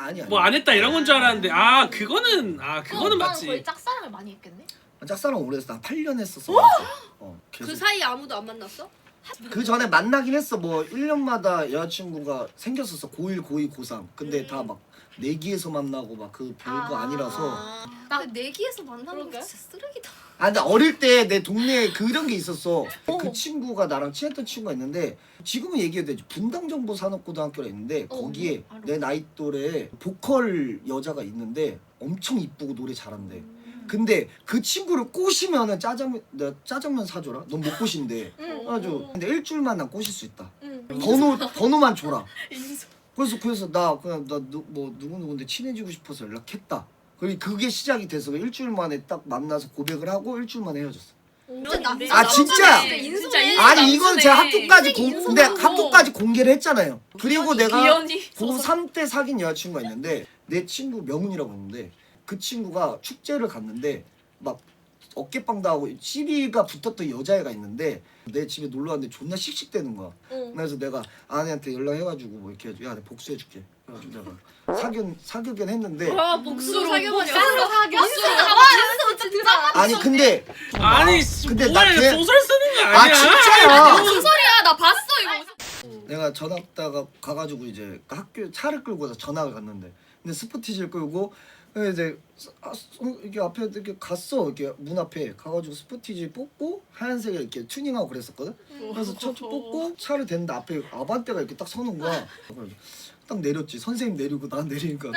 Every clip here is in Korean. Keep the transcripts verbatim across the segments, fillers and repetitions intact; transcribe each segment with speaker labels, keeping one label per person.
Speaker 1: 아니 아니.
Speaker 2: 뭐 안 했다 이런 건 줄 알았는데 아 그거는 아 그거는 맞지.
Speaker 3: 거의 짝사랑을 많이 했겠네.
Speaker 1: 짝사랑 오래 했어. 나 팔 년 했었어. 어.
Speaker 4: 그 사이에 아무도 안 만났어?
Speaker 1: 그 전에 만나긴 했어. 뭐 일 년마다 여자친구가 생겼었어. 고일, 고이, 고삼. 근데
Speaker 4: 음.
Speaker 1: 다 막 내기에서 만나고 막 그 별거
Speaker 3: 아.
Speaker 1: 아, 니라서
Speaker 4: 나 내기에서 만나는 거
Speaker 3: 그러게.
Speaker 4: 진짜 쓰레기다.
Speaker 1: 아 근데 어릴 때 내 동네에 그런 게 있었어. 그 친구가 나랑 친했던 친구가 있는데 지금은 얘기해도 되지. 분당정보산업고등학교가 있는데
Speaker 4: 어,
Speaker 1: 거기에
Speaker 3: 알아.
Speaker 1: 내 나이 또래 보컬 여자가 있는데 엄청 이쁘고 노래 잘한대. 근데 그 친구를 꼬시면은 짜장면 내가 짜장면 사줘라. 넌 못 꼬신대.
Speaker 4: 응.
Speaker 1: 아주 근데 일주일만 난 꼬실 수 있다.
Speaker 4: 응.
Speaker 1: 번호 번호만 줘라.
Speaker 4: 인수.
Speaker 1: 그래서 그래서 나 그냥 나 뭐 누구 누구인데 친해지고 싶어서 연락했다. 그리고 그게 시작이 돼서 일주일 만에 딱 만나서 고백을 하고 일주일 만에 헤어졌어.
Speaker 4: 진짜 남.
Speaker 1: 아, 진짜?
Speaker 4: 인수네.
Speaker 1: 아니 이건 제가 학교까지 공
Speaker 4: 인수네.
Speaker 1: 근데 학교까지 공개를 했잖아요. 그리고 내가
Speaker 4: 기현이.
Speaker 1: 고삼 때 사귄 여자친구가 있는데 내 친구 명훈이라고 하는데 그 친구가 축제를 갔는데 막 어깨빵도 하고 시비가 붙었던 여자애가 있는데 내 집에 놀러 왔는데 존나 씩씩대는 거야.
Speaker 4: 응.
Speaker 1: 그래서 내가 아내한테 연락해가지고 뭐 이렇게 야 내가 복수해줄게. 그래가지고 내가 사귀 사귀긴 했는데
Speaker 4: 와 복수로
Speaker 3: 사귀어버려.
Speaker 4: 복수로 사귀어.
Speaker 3: 인수
Speaker 4: 인수 진짜.
Speaker 1: 아니 근데
Speaker 2: 아니 씨,
Speaker 1: 근데
Speaker 2: 뭐야
Speaker 1: 나
Speaker 2: 이거
Speaker 1: 걔-
Speaker 2: 소설 쓰는 거
Speaker 1: 아
Speaker 2: 아니야?
Speaker 1: 진짜야.
Speaker 4: 무슨 소리야? 나 봤어 이거.
Speaker 1: 내가 전학다가 가가지고 이제 학교 차를 끌고 전학을 갔는데 근데 스포티지를 끌고 이제 아, 이렇게 앞에 이렇게 갔어. 이렇게 문 앞에 가가지고 스포티지 뽑고 하얀색에 이렇게 튜닝하고 그랬었거든. 그래서 차 뽑고 차를 댔는데 앞에 아반떼가 이렇게 딱 서는 거야. 그래서 딱 내렸지. 선생님 내리고 난 내리니까.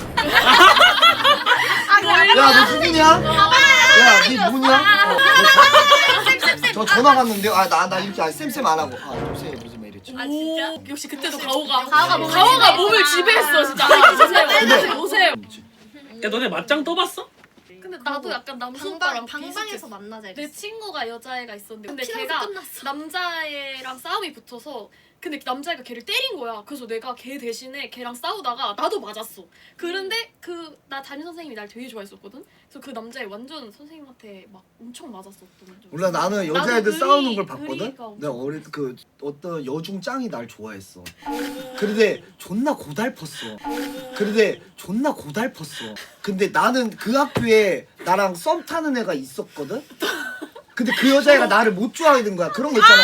Speaker 1: 야너 누구냐? 야니 누구냐? 어, 너 저 전화 갔는데 아 나 나 이렇게 아, 쌤쌤 안 하고 아 요새 무슨 말 이랬지.
Speaker 4: 아 진짜? 역시 그때도 가오가
Speaker 3: 가오가 몸을
Speaker 4: 가오가
Speaker 3: 지배했구나.
Speaker 4: 몸을 지배했어 진짜. 아, 보세요.
Speaker 1: 근데-
Speaker 4: 보세요.
Speaker 2: 야 너네 맞짱 떠봤어?
Speaker 4: 근데 나도 약간 남수
Speaker 3: 방방
Speaker 4: 오빠랑
Speaker 3: 방방에서
Speaker 4: 비슷했어.
Speaker 3: 만나자
Speaker 4: 내
Speaker 3: 이랬어.
Speaker 4: 친구가 여자애가 있었는데 근데
Speaker 3: 피나서
Speaker 4: 걔가
Speaker 3: 끝났어.
Speaker 4: 남자애랑 싸움이 붙어서 근데 남자애가 걔를 때린 거야. 그래서 내가 걔 대신에 걔랑 싸우다가 나도 맞았어. 그런데 그 나 담임 선생님이 날 되게 좋아했었거든. 그래서 그 남자애 완전 선생님한테 막 엄청 맞았었던 적.
Speaker 1: 몰라 나는
Speaker 4: 나도
Speaker 1: 여자애들
Speaker 4: 의리-
Speaker 1: 싸우는 걸 봤거든.
Speaker 4: 의리가 엄청
Speaker 1: 내가 어릴 때 그 어떤 여중 짱이 날 좋아했어. 그런데 존나 고달펐어. 그런데 존나 고달펐어. 근데 나는 그 학교에 나랑 썸 타는 애가 있었거든. 근데 그 여자애가 나를 못 좋아하는 거야. 그런 거 있잖아.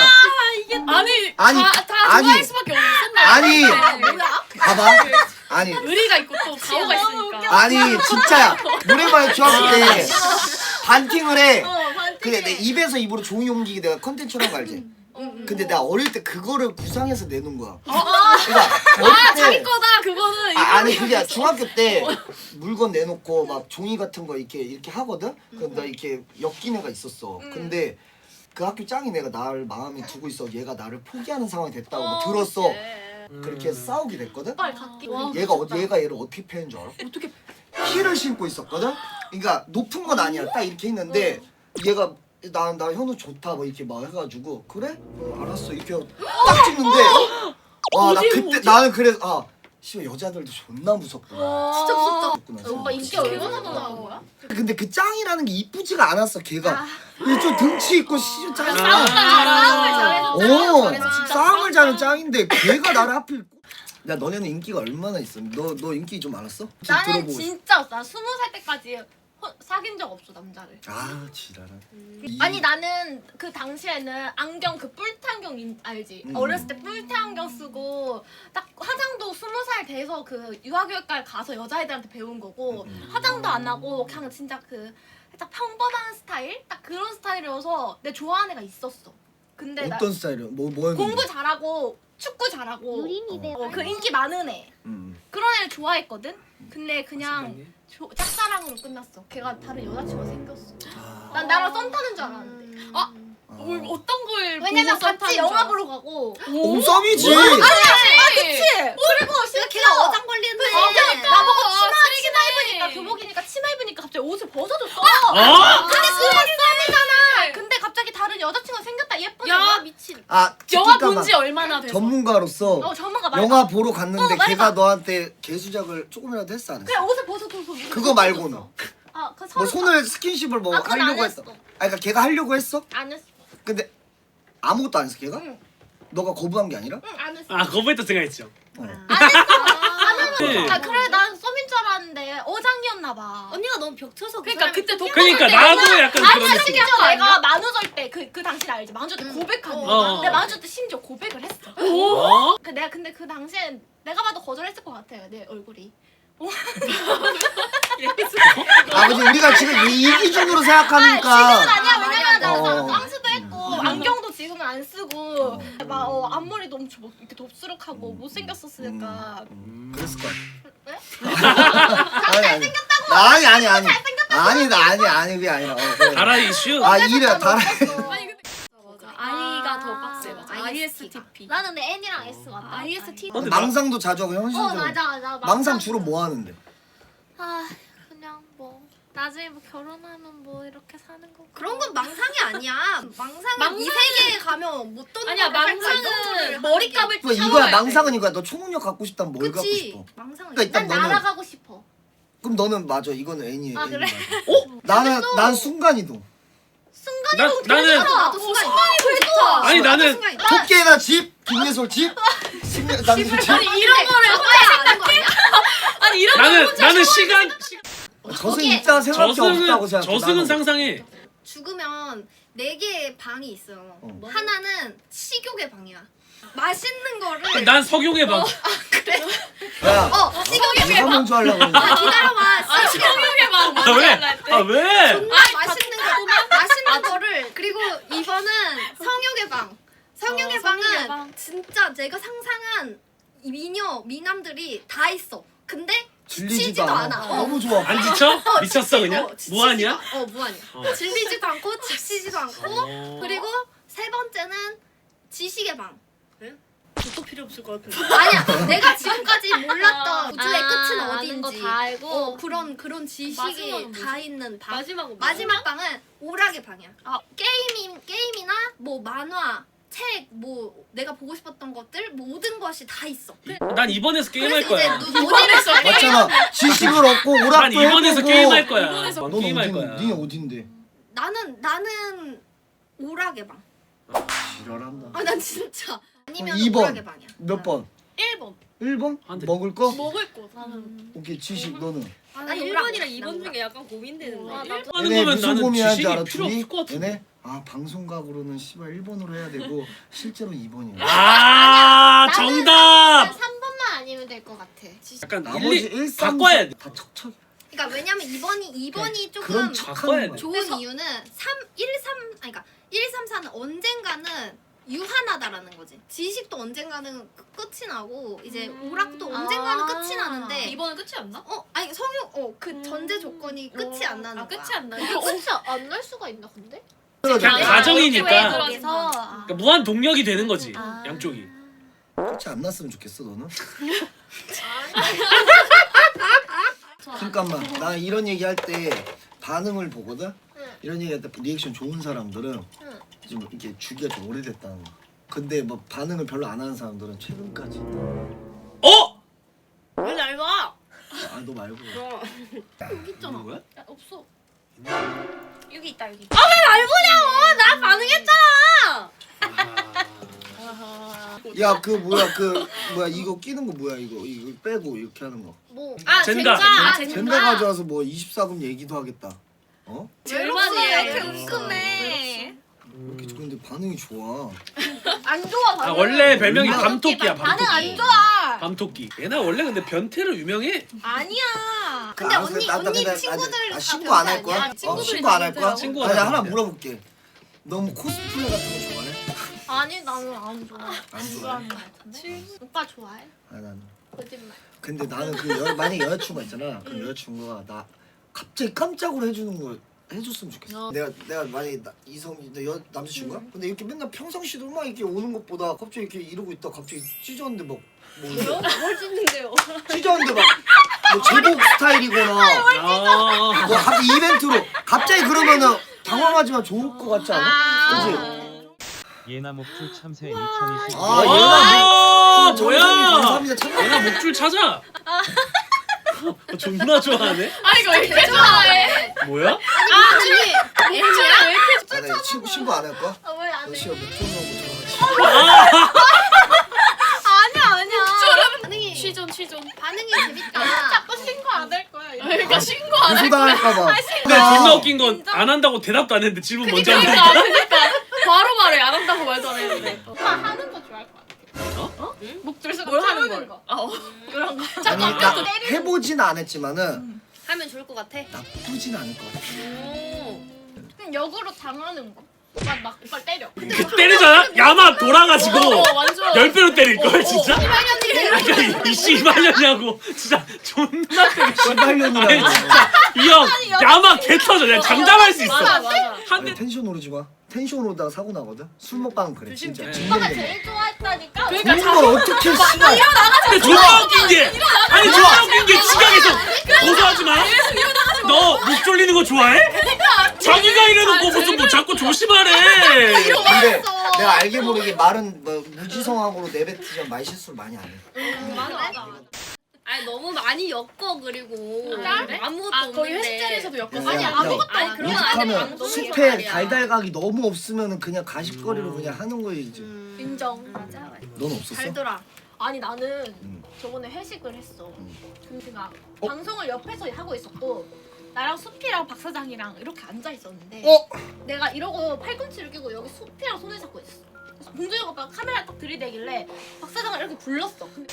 Speaker 4: 아니
Speaker 1: 아니,
Speaker 4: 다, 다
Speaker 1: 아니.
Speaker 4: 좋아할 수밖에 없었나
Speaker 1: 아니.
Speaker 4: 뭐야?
Speaker 1: 봐봐. 아니
Speaker 4: 의리가 있고 또 가오가 있으니까.
Speaker 1: 아니 진짜야. 노래방 중학교 때 반팅을 해.
Speaker 3: 어, 반띵해.
Speaker 1: 근데 내 입에서 입으로 종이 옮기기 내가 컨텐츠라는 거 알지? 근데 나 어릴 때 그거를 구상해서 내놓은 거야. 그러니까 어릴
Speaker 4: 아
Speaker 1: 때-
Speaker 4: 자기 거다 그거는.
Speaker 1: 아, 아니 그게 중학교 때 물건 내놓고 막 종이 같은 거 이렇게 이렇게 하거든. 그럼 나 이렇게 엮인 애가 있었어. 근데 그 학교 짱이 내가 나를 마음에 두고 있어. 얘가 나를 포기하는 상황이 됐다고 뭐 들었어. 그렇게 해서 싸우게 됐거든.
Speaker 3: 빨리 갈게. 와,
Speaker 1: 얘가 어, 얘가 얘를 어떻게 패는 줄 알아?
Speaker 4: 어떻게
Speaker 1: 힐을 신고 있었거든. 그러니까 높은 건 아니야. 딱 이렇게 했는데 얘가 나 나 현우 좋다 뭐 이렇게 막 해가지고 그래? 어, 알았어 이렇게 딱 찍는데 와 나
Speaker 4: 어디,
Speaker 1: 그때
Speaker 4: 어디?
Speaker 1: 나는 그래서 아 씨발 여자들도 존나 무섭구나.
Speaker 3: 진짜 무섭다.
Speaker 1: 무섭구나,
Speaker 3: 오빠
Speaker 1: 진짜.
Speaker 3: 인기 얼마나 많은 거야?
Speaker 1: 근데 그 짱이라는 게 이쁘지가 않았어. 걔가 이게 좀 등치 있고 씨 짱.
Speaker 4: 싸움을 잘해서
Speaker 1: 어
Speaker 4: 잘해서 진짜
Speaker 1: 싸움을 잘하는 짱인데 걔가 나를 하필. 야 너네는 인기가 얼마나 있어? 너 너 인기 좀 많았어? 좀
Speaker 3: 나는
Speaker 1: 들어보고 싶어.
Speaker 3: 진짜 나 스무 살 때까지 허- 사귄 적 없어 남자를.
Speaker 1: 아 지랄한. 이-
Speaker 3: 아니 나는 그 당시에는 안경 그 뿔테 안경 인- 알지?
Speaker 1: 음.
Speaker 3: 어렸을 때 뿔테 안경 쓰고 딱 화장도 스무 살 돼서 그 유아교육과에 가서 여자애들한테 배운 거고
Speaker 1: 음.
Speaker 3: 화장도 안 하고 그냥 진짜 그 살짝 평범한 스타일? 딱 그런 스타일이어서 내 좋아하는 애가 있었어. 근데 나
Speaker 1: 어떤 스타일이야? 뭐 뭐였는데?
Speaker 3: 공부 잘하고 축구 잘하고 어, 그 인기 많은 애
Speaker 1: 음.
Speaker 3: 그런 애를 좋아했거든? 근데 그냥 조, 짝사랑으로 끝났어. 걔가 다른 여자친구가 생겼어.
Speaker 1: 아.
Speaker 3: 난 나랑 썸 타는 줄 알았는데.
Speaker 4: 아
Speaker 1: 아.
Speaker 4: 뭘 어떤 걸
Speaker 3: 왜냐면
Speaker 4: 보고 썸 타는
Speaker 3: 같이
Speaker 4: 줄
Speaker 3: 영화
Speaker 4: 알았어?
Speaker 3: 보러 가고.
Speaker 1: 어, 썸이지.
Speaker 3: 아니야. 아 그치. 그리고 심지어
Speaker 4: 걔가 어장 걸리는데.
Speaker 3: 그러니까 나보고
Speaker 4: 아,
Speaker 3: 치마
Speaker 4: 쓰레기네.
Speaker 3: 치마 입으니까 교복이니까 치마 입으니까 갑자기 옷을 벗어줬어.
Speaker 2: 어?
Speaker 3: 근데 그게 썸이잖아. 근데 갑자기 다른 여자친구가 생겼다 예쁘게.
Speaker 4: 야,
Speaker 3: 미친.
Speaker 1: 아
Speaker 4: 영화
Speaker 1: 잠깐만.
Speaker 4: 본 지 얼마나 돼서?
Speaker 1: 전문가로서
Speaker 3: 어 전문가 말가.
Speaker 1: 영화 보러 갔는데
Speaker 3: 어, 말가.
Speaker 1: 걔가 너한테 개수작을 조금이라도 했어 안 했어?
Speaker 3: 그냥 옷을 벗어줘서.
Speaker 1: 그거 말고는
Speaker 3: 아그
Speaker 1: 뭐 손을 스킨십을 뭐
Speaker 3: 아, 그건 안
Speaker 1: 하려고 했어.
Speaker 3: 했어.
Speaker 1: 아 그러니까 걔가 하려고 했어?
Speaker 3: 안 했어.
Speaker 1: 근데 아무것도 안 했어 걔가?
Speaker 3: 응.
Speaker 1: 너가 거부한 게 아니라?
Speaker 3: 응 안 했어.
Speaker 2: 아 거부했다 생각했죠.
Speaker 1: 어.
Speaker 3: 안 했어. 안
Speaker 2: 네.
Speaker 3: 했어. 아 그래 난 썸 있었나 봐.
Speaker 5: 언니가 너무 벽쳐서 그
Speaker 4: 그러니까
Speaker 5: 사람이
Speaker 4: 그때 독
Speaker 2: 그러니까
Speaker 3: 근데
Speaker 2: 나도
Speaker 3: 내가-
Speaker 2: 약간
Speaker 3: 아니
Speaker 2: 그런 느낌.
Speaker 3: 심지어 내가 만우절 때 그 그 당시를 알지? 만우절 때
Speaker 5: 응.
Speaker 3: 고백하는
Speaker 5: 어,
Speaker 3: 거.
Speaker 2: 어.
Speaker 3: 근데 만우절 때 심지어 고백을 했어.
Speaker 2: 어?
Speaker 3: 그 내가 근데 그 당시엔 내가 봐도 거절했을 것 같아요. 내 얼굴이.
Speaker 1: 아버지 우리가 지금 이, 이 기준으로
Speaker 3: 아,
Speaker 1: 생각하니까
Speaker 3: 지금은 아니야.
Speaker 5: 아,
Speaker 3: 왜냐면 나
Speaker 1: 어.
Speaker 3: 쌍수도 했고
Speaker 1: 음.
Speaker 3: 안경도 지금은 안 쓰고
Speaker 1: 어.
Speaker 3: 막 어, 앞머리도 엄청 뭐 이렇게 dob스룩하고
Speaker 1: 음.
Speaker 3: 못생겼었으니까.
Speaker 1: 음, 그랬을 것
Speaker 3: 왜?
Speaker 1: 같아. 아니 아니. 아니 아니 아니. 아니 나 아니 아니 그게 아니라. 어, 그래.
Speaker 2: 다라 이슈.
Speaker 1: 아 이래 다라.
Speaker 4: 아니 근데
Speaker 5: 맞아.
Speaker 4: 아이가 더
Speaker 3: 아,
Speaker 4: 빡세. 맞아.
Speaker 5: 아이에스티가.
Speaker 4: 아이에스티피.
Speaker 3: 나는 근데 N이랑 S 같다.
Speaker 5: 아이에스티.
Speaker 2: 근데
Speaker 1: 망상도 자주 하고
Speaker 3: 어
Speaker 1: 현실적으로.
Speaker 3: 맞아 맞아.
Speaker 1: 망상 주로 뭐 하는데?
Speaker 3: 아 그냥 뭐 나중에 뭐 결혼하면 뭐 이렇게 사는 거.
Speaker 5: 그런 건 망상이 아니야. 망상은
Speaker 4: 망상은-
Speaker 5: 이 세계에 가면 못 떠는
Speaker 4: 아니야
Speaker 5: 거를 할거
Speaker 4: 망상은
Speaker 5: 이거를
Speaker 4: 머리감을
Speaker 1: 뭐 이거야
Speaker 4: 참아야 돼.
Speaker 1: 망상은 이거야. 너 초능력 갖고 싶다면 뭘 갖고
Speaker 5: 그치.
Speaker 1: 싶어?
Speaker 5: 망상은
Speaker 1: 그러니까 일단
Speaker 3: 난
Speaker 1: 너는
Speaker 3: 날아가고 싶어.
Speaker 1: 그럼 너는 맞아. 이거는 N이야.
Speaker 3: 아, 그래?
Speaker 1: 어? 나는 난 순간이동.
Speaker 2: 나 나는
Speaker 5: 나도 나도 순간
Speaker 4: 좋다.
Speaker 2: 아니 나는
Speaker 1: 토끼에다 집, 김예솔 집, 심내 남친 집.
Speaker 4: 아니 이런 거를
Speaker 5: 생각해?
Speaker 4: 아니 이런
Speaker 2: 나는
Speaker 4: 거
Speaker 2: 나는 시간
Speaker 1: 저승
Speaker 3: 거기에
Speaker 1: 입자 생각이 없다고
Speaker 2: 저승은
Speaker 1: 생각해.
Speaker 2: 저승은
Speaker 1: 나는.
Speaker 2: 상상해.
Speaker 5: 죽으면 네 개의 방이 있어요.
Speaker 1: 어.
Speaker 5: 하나는 식욕의 방이야. 맛있는 거를
Speaker 2: 난 석용의 방.
Speaker 1: 야,
Speaker 5: 어 식욕의
Speaker 1: 누가 먼저 하려고
Speaker 5: 아
Speaker 1: 했는데.
Speaker 5: 기다려봐. 식욕의 방.
Speaker 2: 아 왜? 아 왜?
Speaker 5: 정말 맛있는 거 맛있는 거를 그리고 이번은 성욕의 방. 성욕의
Speaker 4: 어,
Speaker 5: 방은
Speaker 4: 성욕의 방.
Speaker 5: 진짜 내가 상상한 이 미녀 미남들이 다 있어. 근데
Speaker 1: 질리지도
Speaker 5: 지치지도
Speaker 1: 않아.
Speaker 5: 않아. 어.
Speaker 1: 너무 좋아.
Speaker 2: 안 지쳐?
Speaker 5: 어,
Speaker 2: 미쳤어
Speaker 5: 지치-
Speaker 2: 그냥?
Speaker 5: 어, 지치지도
Speaker 2: 무한이야?
Speaker 5: 않- 어 무한이야.
Speaker 2: 어.
Speaker 5: 질리지도 않고 지치지도 않고
Speaker 2: 어.
Speaker 5: 그리고 세 번째는 지식의 방.
Speaker 6: 또 필요 없을 것 같은데.
Speaker 5: 아니야, 내가 지금까지 몰랐던 우주의
Speaker 3: 아,
Speaker 5: 끝은
Speaker 3: 아는
Speaker 5: 어딘지
Speaker 3: 거 다 알고.
Speaker 5: 어, 그런 그런 지식이
Speaker 4: 마지막은
Speaker 5: 다 있는 방.
Speaker 4: 마지막은
Speaker 5: 마지막 방은 오락의 방이야. 게임이 게임이나 뭐 만화, 책, 뭐 내가 보고 싶었던 것들 모든 것이 다 있어.
Speaker 2: 난 이번에서 게임할
Speaker 5: 그래서
Speaker 2: 거야.
Speaker 5: 이제 눈- 어디를 써?
Speaker 1: 맞잖아. 지식을 얻고
Speaker 2: 난
Speaker 1: 오락도
Speaker 2: 이번에서
Speaker 1: 해보고.
Speaker 2: 게임할 거야.
Speaker 4: 이번에서
Speaker 2: 난
Speaker 1: 넌
Speaker 2: 게임할
Speaker 1: 어디?
Speaker 2: 거야.
Speaker 1: 니 어딘데?
Speaker 5: 나는 나는 오락의 방.
Speaker 1: 지랄한다.
Speaker 5: 아, 난 진짜 아니면
Speaker 1: 이 번.
Speaker 5: 오락의 방이야.
Speaker 1: 몇 번?
Speaker 4: 일 번
Speaker 1: 일 번?
Speaker 2: 안 돼.
Speaker 1: 먹을 거?
Speaker 4: 먹을 거 나는
Speaker 1: 오케이 지식 너는.
Speaker 5: 아,
Speaker 6: 난
Speaker 5: 오락,
Speaker 6: 일 번이랑
Speaker 5: 난
Speaker 6: 이 번
Speaker 5: 오락.
Speaker 6: 중에 약간 고민되는데.
Speaker 4: 아, 나도.
Speaker 2: 하는
Speaker 1: 얘네
Speaker 2: 거면
Speaker 1: 무슨
Speaker 2: 나는
Speaker 1: 고민하는지
Speaker 2: 지식이
Speaker 1: 알아?
Speaker 2: 필요
Speaker 1: 둘이?
Speaker 2: 없을 것 같은데.
Speaker 1: 얘네 아 방송각으로는 씨발 일 번으로 해야 되고 실제로 이 번이야.
Speaker 2: 아 정답.
Speaker 3: 삼 번만 아니면 될 것 같아.
Speaker 2: 약간
Speaker 1: 나머지
Speaker 2: 일리
Speaker 1: 일, 삼,
Speaker 2: 바꿔야 돼.
Speaker 1: 다 척척.
Speaker 5: 그러니까 왜냐면 이 번이 이 번이 조금
Speaker 1: 그런
Speaker 2: 바꿔야
Speaker 1: 척하는
Speaker 2: 돼.
Speaker 1: 거야.
Speaker 5: 좋은
Speaker 4: 그래서-
Speaker 5: 이유는 삼, 일, 삼 아니 그러니까 일, 삼, 사는 언젠가는 유한하다라는 거지. 지식도 언젠가는 끝- 끝이 나고 이제
Speaker 4: 음.
Speaker 5: 오락도 언젠가는
Speaker 3: 아.
Speaker 5: 끝이 나는데
Speaker 4: 이번은 끝이 안 나?
Speaker 5: 어 아니 성욕 어그
Speaker 4: 음.
Speaker 5: 전제 조건이 끝이 안 나는
Speaker 4: 아
Speaker 5: 거야.
Speaker 4: 끝이 안 나.
Speaker 3: 이게 끝이 안 날 수가 있나 근데?
Speaker 2: 그냥
Speaker 1: 그러니까
Speaker 2: 가정이니까.
Speaker 3: 거기서
Speaker 2: 그러니까 무한 동력이 되는 거지.
Speaker 3: 아.
Speaker 2: 양쪽이.
Speaker 1: 끝이 안 났으면 좋겠어 너는. 잠깐만 나 이런 얘기 할 때 반응을 보거든.
Speaker 3: 응.
Speaker 1: 이런 얘기 할 때 리액션 좋은 사람들은
Speaker 3: 응.
Speaker 1: 좀 이게 주기가 좀 오래됐다는 거. 근데 뭐 반응을 별로 안 하는 사람들은 최근까지.
Speaker 2: 어?
Speaker 6: 왜 날 봐?
Speaker 1: 아 너 말고.
Speaker 6: 어.
Speaker 5: 여기 있잖아.
Speaker 2: 누구야?
Speaker 3: 야, 없어.
Speaker 4: 여기 있다 여기.
Speaker 5: 나 반응했잖아.
Speaker 1: 야 그 뭐야 그 뭐야 이거 끼는 거 뭐야 이거 이거 빼고 이렇게 하는 거.
Speaker 3: 뭐
Speaker 5: 아
Speaker 2: 젠가.
Speaker 5: 젠가. 아,
Speaker 1: 젠가
Speaker 5: 젠가.
Speaker 1: 가져와서 뭐 이십사 금 얘기도 하겠다. 어?
Speaker 5: 절반이에요.
Speaker 3: 이렇게
Speaker 1: 어.
Speaker 3: 은근해.
Speaker 1: 이렇게 근데 반응이 좋아.
Speaker 3: 안 좋아
Speaker 2: 아
Speaker 3: 반응.
Speaker 2: 원래 별명이
Speaker 1: 음.
Speaker 2: 밤토끼야.
Speaker 3: 반응 안
Speaker 2: 밤토끼.
Speaker 3: 좋아.
Speaker 2: 밤토끼. 얘나 원래 근데 변태로 유명해.
Speaker 3: 아니야.
Speaker 5: 근데
Speaker 1: 알았어,
Speaker 5: 언니
Speaker 1: 나- 나
Speaker 5: 언니
Speaker 1: 근데 나-
Speaker 5: 친구들
Speaker 1: 아,
Speaker 5: 다
Speaker 1: 신고 안 할
Speaker 5: 변태
Speaker 1: 거야?
Speaker 5: 아니야?
Speaker 1: 어,
Speaker 4: 친구들이
Speaker 1: 신고 안 할
Speaker 4: 다
Speaker 1: 거야?
Speaker 4: 변태라고.
Speaker 2: 친구
Speaker 1: 아니
Speaker 2: 안
Speaker 1: 하나
Speaker 2: 할
Speaker 1: 물어볼게. 너무 코스프레 같은 거 좋아해?
Speaker 3: 아니 나는 안 좋아.
Speaker 1: 안
Speaker 3: 안
Speaker 1: 좋아해?
Speaker 3: 좋아하는 거 같은데. 오빠 좋아해?
Speaker 1: 아 나는.
Speaker 3: 거짓말.
Speaker 1: 근데 나는 그 여, 만약 여자친구가 있잖아. 그럼 여자친구가 나 갑자기 깜짝으로 해주는 걸 해줬으면 좋겠어. 내가 내가 만약에 나, 이성이 내 여, 남자친구야? 근데 이렇게 맨날 평상시도 막 이렇게 오는 것보다 갑자기 이렇게 이러고 있다 갑자기 찢었는데 막 뭐,
Speaker 6: 뭐요? 뭘 찍는데요?
Speaker 1: 찢었는데 막 뭐 제복 스타일이거나
Speaker 2: 아.
Speaker 1: 뭐 갑자기 이벤트로 갑자기 그러면은 당황하지만 좋을 것 같지 않아? 그지?
Speaker 7: 예나 목줄 참새 이천이십.
Speaker 1: 아,
Speaker 2: 아,
Speaker 1: 얘나
Speaker 2: 뭐야?
Speaker 1: 감사합니다. 참.
Speaker 2: 얘나 목줄 찾아. 어, 존나 좋아하네.
Speaker 4: 아 이거 왜 이렇게 좋아해?
Speaker 2: 뭐야?
Speaker 5: 아 언니 애미야? 왜 이렇게
Speaker 1: 아, 나 친구 신고 안 할 거야?
Speaker 3: 아, 왜안
Speaker 1: 너
Speaker 3: 해?
Speaker 1: 씨가 목줄 넣고 들어가지.
Speaker 3: 아니야 아니야.
Speaker 5: 반응이
Speaker 4: 취존 취존.
Speaker 5: 반응이 재밌다.
Speaker 3: 자꾸 신고 안 할 거야. 이거.
Speaker 4: 그러니까 신고 안
Speaker 1: 고소당할까봐.
Speaker 2: 근데 존나 웃긴 건 안 한다고 대답도 안 했는데 질문 먼저
Speaker 4: 그러니까
Speaker 2: 하니까.
Speaker 4: 그러니까 바로 말해 안 한다고 말도 안 했는데.
Speaker 3: 오빠 하는 거 좋아할 것 같아.
Speaker 2: 어?
Speaker 3: 목줄 쓰고
Speaker 6: 뭘 하는
Speaker 3: 거.
Speaker 6: 걸?
Speaker 3: 아, 어. 그런 거.
Speaker 1: 아니,
Speaker 3: 자꾸
Speaker 1: 나
Speaker 3: 아까도 때리는
Speaker 1: 해보진 않았지만은
Speaker 6: 하면 좋을 것 같아.
Speaker 1: 나쁘진 않을 것 같아.
Speaker 6: 오.
Speaker 3: 그냥 역으로 당하는 거. 오빠 막 오빠 때려.
Speaker 2: 그 때리잖아? 야마 돌아가지고
Speaker 4: 어, 완전.
Speaker 2: 열 배로 때릴 걸
Speaker 4: 어,
Speaker 2: 진짜. 그러니까 이 씨발년이냐고 진짜 존나 때려. 아니
Speaker 1: 시발년이라고.
Speaker 2: 진짜 이 형 야마 개 터져. 그냥 장담할 수 있어.
Speaker 4: 맞아 맞아.
Speaker 2: 한 대.
Speaker 1: 텐션 오르지 마. 텐션 오르다가 사고 나거든. 술 먹방은 그래
Speaker 6: 조심,
Speaker 1: 진짜.
Speaker 2: 조심.
Speaker 3: 오빠가
Speaker 1: 진짜.
Speaker 3: 제일 좋아했다니까.
Speaker 4: 그러니까
Speaker 1: 그런 걸 어떻게 씨발.
Speaker 2: 근데 존나 웃긴 게 아니 존나 웃긴 게 지각에서 고소하지 마. 너 목 졸리는 거 좋아해? 자기가 이래놓고 무슨 뭐 자꾸 조심하래.
Speaker 1: 근데 내가 알게 모르게 말은 뭐 무지성하고로 내뱉으면 말 실수를 많이 안 해.
Speaker 6: 맞아 맞아. 아니 너무 많이 엮어 그리고
Speaker 4: 아, 그래?
Speaker 6: 아무것도
Speaker 4: 아 거의
Speaker 6: 없는데.
Speaker 4: 회식 자리에서도 엮었어.
Speaker 1: 아니,
Speaker 3: 아니
Speaker 1: 야,
Speaker 3: 아무것도
Speaker 6: 아니,
Speaker 3: 없
Speaker 6: 그런 건 아닌데
Speaker 1: 오죽하면
Speaker 6: 방송인
Speaker 1: 숲에
Speaker 6: 말이야.
Speaker 1: 달달각이 너무 없으면 그냥 가십거리로 그냥 하는 거이지.
Speaker 6: 음.
Speaker 3: 인정.
Speaker 6: 맞아 맞아.
Speaker 1: 넌 없었어?
Speaker 6: 달더라.
Speaker 3: 아니 나는
Speaker 1: 음.
Speaker 3: 저번에 회식을 했어.
Speaker 1: 음.
Speaker 3: 근데 제가
Speaker 1: 어?
Speaker 3: 방송을 옆에서 하고 있었고 나랑 수피랑 박 사장이랑 이렇게 앉아 있었는데
Speaker 1: 어?
Speaker 3: 내가 이러고 팔꿈치를 끼고 여기 수피랑 손을 잡고 있었어. 그래서 봉준이 오빠가 카메라 딱 들이대길래 박 사장을 이렇게 불렀어. 근데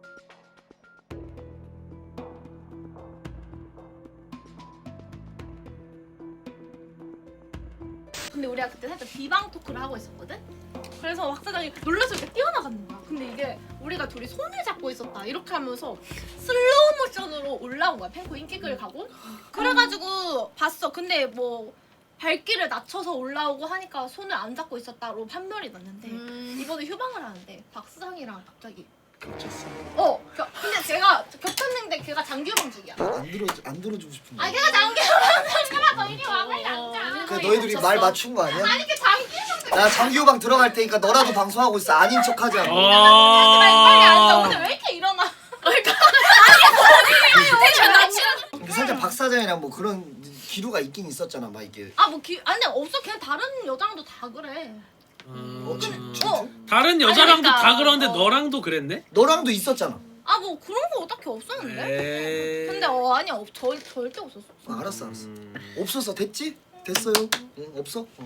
Speaker 3: 근데 우리가 그때 살짝 비방 토크를 하고 있었거든? 그래서 박 사장이 놀라서 이렇게 뛰어나가는 거야. 근데 이게 우리가 둘이 손을 잡고 있었다 이렇게 하면서 슬로우 모션으로 올라온 거야. 펜코 인기글 가고. 그래가지고 봤어. 근데 뭐 발길을 낮춰서 올라오고 하니까 손을 안 잡고 있었다로 판별이 났는데
Speaker 6: 음.
Speaker 3: 이번에 휴방을 하는데 박 사장이랑 갑자기
Speaker 1: 겹쳤어.
Speaker 3: 어! 겨, 근데 제가 겹쳤는데 걔가 장규방 중이야.
Speaker 1: 안 들어 안 들어주고 싶은데.
Speaker 3: 아니 걔가 장규방 장규방 이리 와 빨리 앉아.
Speaker 1: 그 너희들이 말 맞춘 거 아니야?
Speaker 3: 아니 걔 장규방
Speaker 1: 나 장기호방 들어갈 테니까 너라도 방송하고 있어. 아닌 척하지 않고.
Speaker 3: 빨리 앉아.
Speaker 2: 아.
Speaker 3: 오늘 왜 이렇게 일어나?
Speaker 1: 근데 살짝 박 사장이랑 뭐 그런 기류가 있긴 있었잖아. 막 이게.
Speaker 3: 아뭐 아니 없어. 걔 다른 여자랑도 다 그래.
Speaker 1: 어, 지,
Speaker 2: 음.
Speaker 1: 지,
Speaker 3: 어.
Speaker 2: 다른 여자랑도
Speaker 3: 아니, 그러니까.
Speaker 2: 다 그러는데
Speaker 3: 어.
Speaker 2: 너랑도 그랬네?
Speaker 1: 너랑도 있었잖아.
Speaker 3: 아 뭐 그런 거 딱히 없었는데.
Speaker 2: 에이.
Speaker 3: 근데 어 아니 없 절, 절대 없었어.
Speaker 1: 어, 알았어 알았어.
Speaker 2: 음.
Speaker 1: 없었어. 됐지? 됐어요. 응, 없어? 어.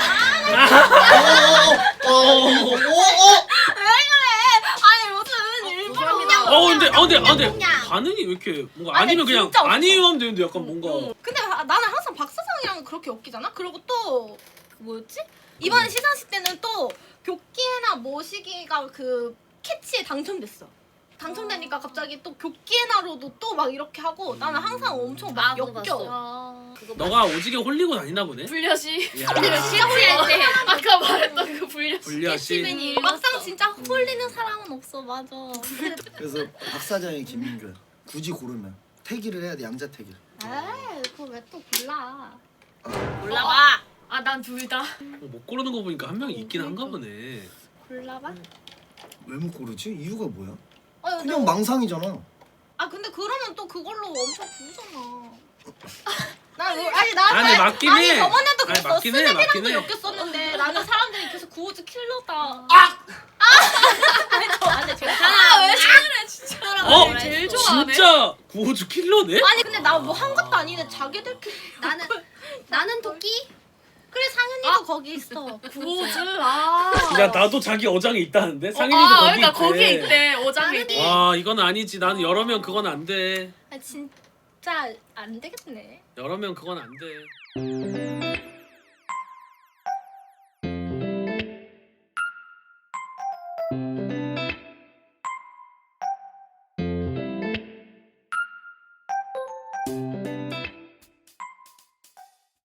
Speaker 3: 아니 무슨 일부러 그냥.
Speaker 2: 어 근데 어 근데 아 근데
Speaker 3: 그냥.
Speaker 2: 반응이 왜 이렇게 뭔가
Speaker 3: 아니,
Speaker 2: 아니면 그냥
Speaker 3: 진짜 없어.
Speaker 2: 아니에요 하면 되는데 약간 뭔가
Speaker 3: 근데 아, 나는 항상 박 사장이랑 그렇게 엮이잖아. 그리고 또그 뭐였지? 이번 시상식 때는 또 교키에나 모시기가 그 캐치에 당첨됐어. 당첨되니까 갑자기 또 교키에나로도 또 막 이렇게 하고 나는 항상 엄청 막
Speaker 6: 아, 그거
Speaker 3: 엮여.
Speaker 6: 봤어.
Speaker 4: 아.
Speaker 6: 그거
Speaker 2: 너가 오지게 홀리고 다니나 보네.
Speaker 4: 불려시.
Speaker 2: 야.
Speaker 6: 시험할 때
Speaker 4: 아까 말했던 그 불려시.
Speaker 2: 불려시.
Speaker 6: 캐치맨이
Speaker 3: 막상 진짜 홀리는 사람은 없어. 맞아.
Speaker 1: 그래서 박 사장이 김민규야. 굳이 고르면 태기를 해야 돼. 양자 태기.
Speaker 3: 에이 그거 왜 또 골라?
Speaker 6: 올라와.
Speaker 4: 아 난 둘 다.
Speaker 2: 어, 못 고르는 거 보니까 한 명이 있긴 한가 보네.
Speaker 3: 골라봐.
Speaker 1: 왜 못 고르지? 이유가 뭐야?
Speaker 3: 아,
Speaker 1: 그냥 망상이잖아.
Speaker 3: 아 근데 그러면 또 그걸로 엄청 부르잖아. 나 뭐- 아니 나는
Speaker 2: 아니, 맞긴
Speaker 3: 아니
Speaker 2: 해.
Speaker 3: 저번에도
Speaker 2: 아니,
Speaker 3: 그랬어.
Speaker 2: 맞긴 해, 맞긴
Speaker 3: 스냅이랑도
Speaker 2: 해.
Speaker 3: 엮였었는데 나는 사람들이 계속 구호즈 킬러다.
Speaker 2: 아!
Speaker 3: 아니 저 안돼 제가
Speaker 6: 괜찮아.
Speaker 3: 왜
Speaker 6: 그래 진짜.
Speaker 2: 어?
Speaker 4: 제일 좋아하네.
Speaker 2: 진짜 구호주 킬러네?
Speaker 3: 아니 근데 나 뭐 한 것도 아닌데 자기들끼리
Speaker 5: 나는 나는 토끼.
Speaker 3: 그래 상현이도 거기 있어.
Speaker 4: 구호즈. 아.
Speaker 2: 야 나도 자기 어장에 있다는데?
Speaker 4: 어,
Speaker 2: 상인이도
Speaker 4: 아,
Speaker 2: 거기
Speaker 4: 그러니까
Speaker 2: 있대.
Speaker 4: 거기에 있대. 어장에 있대.
Speaker 2: 와 이건 아니지. 나는 여러 명 그건 안 돼.
Speaker 3: 아 진짜 안 되겠네.
Speaker 2: 여러 명 그건 안 돼.